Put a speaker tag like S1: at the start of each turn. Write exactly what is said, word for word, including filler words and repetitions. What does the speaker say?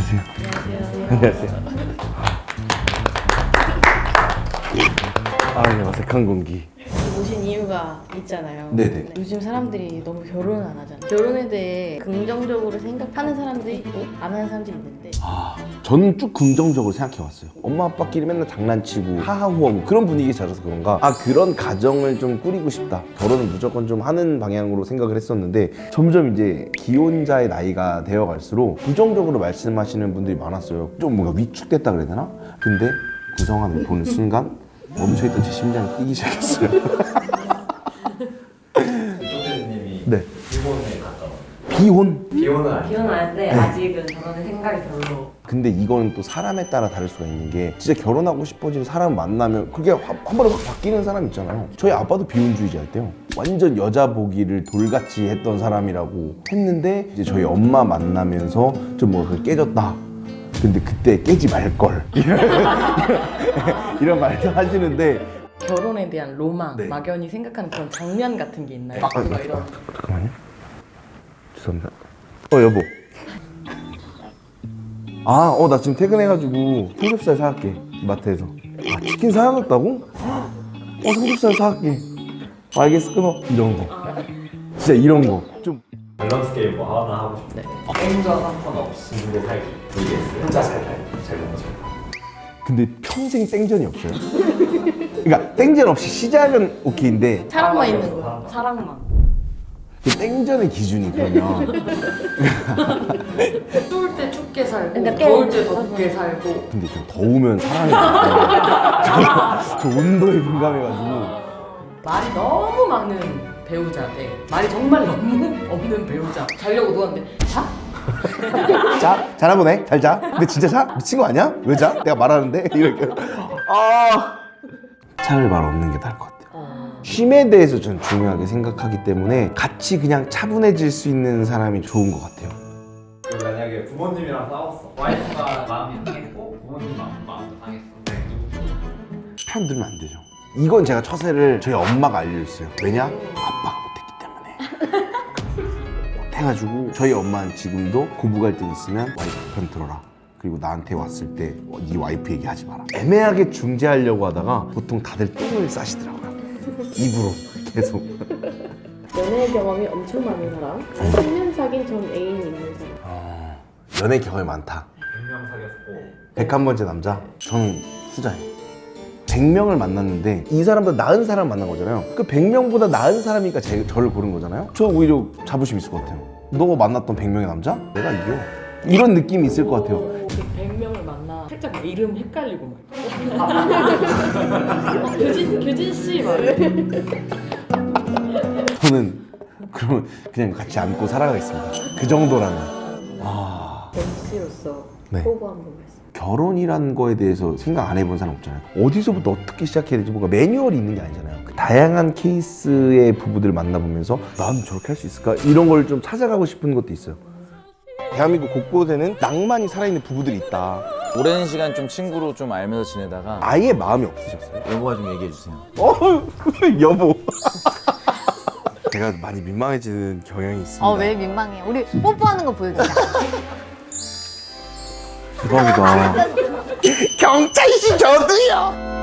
S1: 안녕하세요. 안녕하세요. 아, 네, 어색한 공기.
S2: 오신 이유가 있잖아요.
S1: 네네.
S2: 요즘 사람들이 너무 결혼을 안 하잖아요. 결혼에 대해 긍정적으로 생각하는 사람도 있고 안 하는 사람도 있는데
S1: 아, 저는 쭉 긍정적으로 생각해왔어요. 엄마 아빠끼리 맨날 장난치고 하하호하고 그런 분위기에 자라서 그런가, 아, 그런 가정을 좀 꾸리고 싶다, 결혼은 무조건 좀 하는 방향으로 생각을 했었는데, 점점 이제 기혼자의 나이가 되어갈수록 부정적으로 말씀하시는 분들이 많았어요. 좀 뭔가 위축됐다 그래야 되나? 근데 구성안을 보는 순간 멈춰있던 제 심장이 뛰기 시작했어요.
S3: 조대님이
S1: 네.
S3: 비혼에 가까워.
S1: 비혼?
S3: 비혼은 아니에요.
S4: 비혼하는데 아직은 저는 생각이 별로.
S1: 근데 이거는 또 사람에 따라 다를 수가 있는 게, 진짜 결혼하고 싶어지는 사람 만나면 그게 한, 한 번에 확 바뀌는 사람 있잖아요. 저희 아빠도 비혼주의자였대요. 완전 여자 보기를 돌같이 했던 사람이라고 했는데, 이제 저희 엄마 만나면서 좀 뭐가 깨졌다, 근데 그때 깨지 말걸 이런 말도 하시는데.
S2: 결혼에 대한 로망,
S1: 네.
S2: 막연히 생각하는 그런 장면 같은 게 있나요?
S1: 아,
S2: 뭔가 이런
S1: 잠깐만요. 죄송합니다. 어, 여보. 아, 어, 나 지금 퇴근해가지고 삼겹살 사갈게, 마트에서. 아, 치킨 사야겠다고? 어, 삼겹살 사갈게. 알겠어, 끊어. 이런 거. 진짜 이런 거. 좀.
S3: 밸런스 게임 뭐 하나 하고 싶은데 땡전 한 번 없이 친구 살기 vs 혼자 잘 살기. 잘 먹고 잘 살기.
S1: 근데 평생 땡전이 없어요. 그러니까 땡전 없이 시작은 오케이인데,
S2: 사랑만 있는 거.
S4: 사랑만.
S1: 그 땡전의 기준이 그러면.
S4: 추울 때 춥게 살고
S2: 그러니까
S4: 더울 때 덥게 살고.
S1: 근데 좀 더우면 사랑이 저, 저 온도에 민감해가지고.
S4: 말이 너무 많은 배우자 대 말이 정말 너무 없는 배우자. 자려고 누웠는데 자?
S1: 자, 자나 보네. 잘 자. 근데 진짜 자? 미친 거 아니야? 왜 자? 내가 말하는데? 이렇게. 아. 차라리 말 없는 게 나을 것 같아요. 쉼에 대해서 전 중요하게 생각하기 때문에 같이 그냥 차분해질 수 있는 사람이 좋은 것 같아요.
S3: 그리고 만약에 부모님이랑 싸웠어. 와이프가 마음이 상했고 부모님 마음, 마음도 상했어.
S1: 편 들면 안 되죠. 이건 제가 처세를 저희 엄마가 알려줬어요. 왜냐? 아빠가 못했기 때문에. 해가지고 저희 엄마는 지금도 고부 갈등 있으면 와이프 편 들어라. 그리고 나한테 왔을 때 네 와이프 얘기하지 마라. 애매하게 중재하려고 하다가 보통 다들 똥을 싸시더라고요. 입으로 계속.
S5: 연애 경험이 엄청 많은 사람, 십 년 사귄 전 애인 있는 사람.
S1: 어, 연애 경험이 많다.
S3: 백 명 사귀었고
S1: 백한 번째 남자? 저는 후자예요. 백 명을 만났는데 이 사람보다 나은 사람 만난 거잖아요. 그 백 명보다 나은 사람이니까 제, 저를 고른 거잖아요. 저 오히려 자부심 있을 것 같아요. 너가 만났던 백 명의 남자? 내가 이겨. 이런 느낌이 있을 것 같아요.
S4: 백 명을 만나 살짝 이름 헷갈리고 막. 규진 규진 씨 막.
S1: 저는 그러면 그냥 같이 안고 살아가겠습니다. 그 정도라면. 아,
S5: 엠씨로서
S1: 네.
S5: 포부 한번 말씀.
S1: 결혼이라는 거에 대해서 생각 안 해본 사람 없잖아요. 어디서부터 어떻게 시작해야 되지, 뭔가 매뉴얼이 있는 게 아니잖아요. 그 다양한 케이스의 부부들을 만나보면서 난 저렇게 할 수 있을까? 이런 걸 좀 찾아가고 싶은 것도 있어요. 대한민국 곳곳에는 낭만이 살아있는 부부들이 있다.
S6: 오랜 시간 좀 친구로 좀 알면서 지내다가
S1: 아예 마음이 없으셨어요?
S6: 여보가 좀 얘기해 주세요.
S1: 어, 여보. 제가 많이 민망해지는 경향이 있습니다.
S7: 어, 왜 민망해? 우리 뽀뽀하는 거 보여주자.
S1: 대박이다. 경찰씨 저도요.